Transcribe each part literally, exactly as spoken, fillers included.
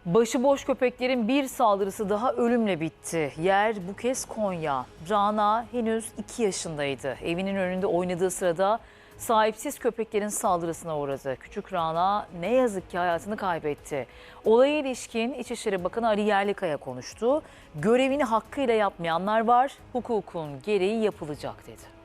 Başıboş köpeklerin bir saldırısı daha ölümle bitti. Yer bu kez Konya. Rana henüz iki yaşındaydı. Evinin önünde oynadığı sırada sahipsiz köpeklerin saldırısına uğradı. Küçük Rana ne yazık ki hayatını kaybetti. Olaya ilişkin İçişleri Bakanı Ali Yerlikaya konuştu. Görevini hakkıyla yapmayanlar var, hukukun gereği yapılacak dedi.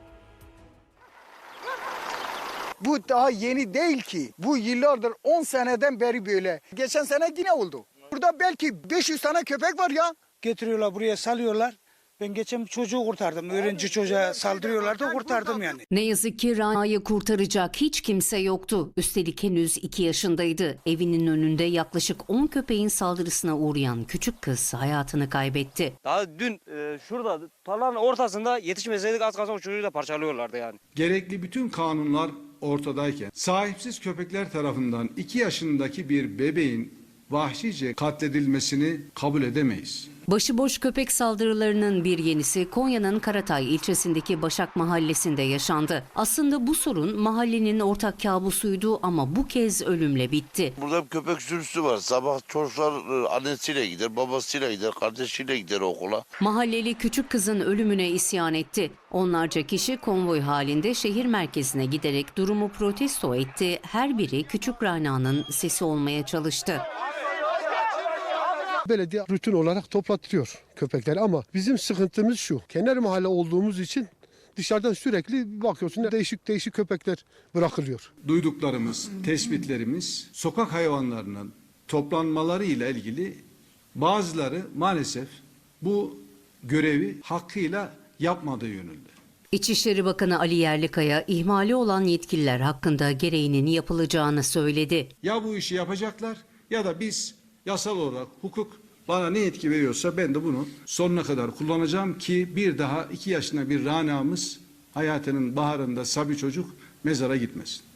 Bu daha yeni değil ki. Bu yıllardır on seneden beri böyle. Geçen sene yine oldu. Burada belki beş yüz tane köpek var ya. Getiriyorlar buraya salıyorlar. Ben geçen bir çocuğu kurtardım. Öğrenci çocuğa saldırıyorlardı, kurtardım yani. Ne yazık ki Rana'yı kurtaracak hiç kimse yoktu. Üstelik henüz iki yaşındaydı. Evinin önünde yaklaşık on köpeğin saldırısına uğrayan küçük kız hayatını kaybetti. Daha dün e, şurada tarlanın ortasında yetişmeseydik az kalsın o çocuğu da parçalıyorlardı yani. Gerekli bütün kanunlar ortadayken sahipsiz köpekler tarafından iki yaşındaki bir bebeğin vahşice katledilmesini kabul edemeyiz. Başıboş köpek saldırılarının bir yenisi Konya'nın Karatay ilçesindeki Başak Mahallesi'nde yaşandı. Aslında bu sorun mahallenin ortak kabusuydu ama bu kez ölümle bitti. Burada bir köpek sürüsü var. Sabah çocuklar annesiyle gider, babasıyla gider, kardeşiyle gider okula. Mahalleli küçük kızın ölümüne isyan etti. Onlarca kişi konvoy halinde şehir merkezine giderek durumu protesto etti. Her biri küçük Rana'nın sesi olmaya çalıştı. Belediye rutin olarak toplattırıyor köpekleri ama bizim sıkıntımız şu. Kenar mahalle olduğumuz için dışarıdan sürekli bakıyorsun değişik değişik köpekler bırakılıyor. Duyduklarımız, tespitlerimiz sokak hayvanlarının toplanmaları ile ilgili bazıları maalesef bu görevi hakkıyla yapmadığı yönünde. İçişleri Bakanı Ali Yerlikaya ihmali olan yetkililer hakkında gereğinin yapılacağını söyledi. Ya bu işi yapacaklar ya da biz yasal olarak hukuk bana ne yetki veriyorsa ben de bunu sonuna kadar kullanacağım ki bir daha iki yaşında bir Rana'mız hayatının baharında sabi çocuk mezara gitmesin.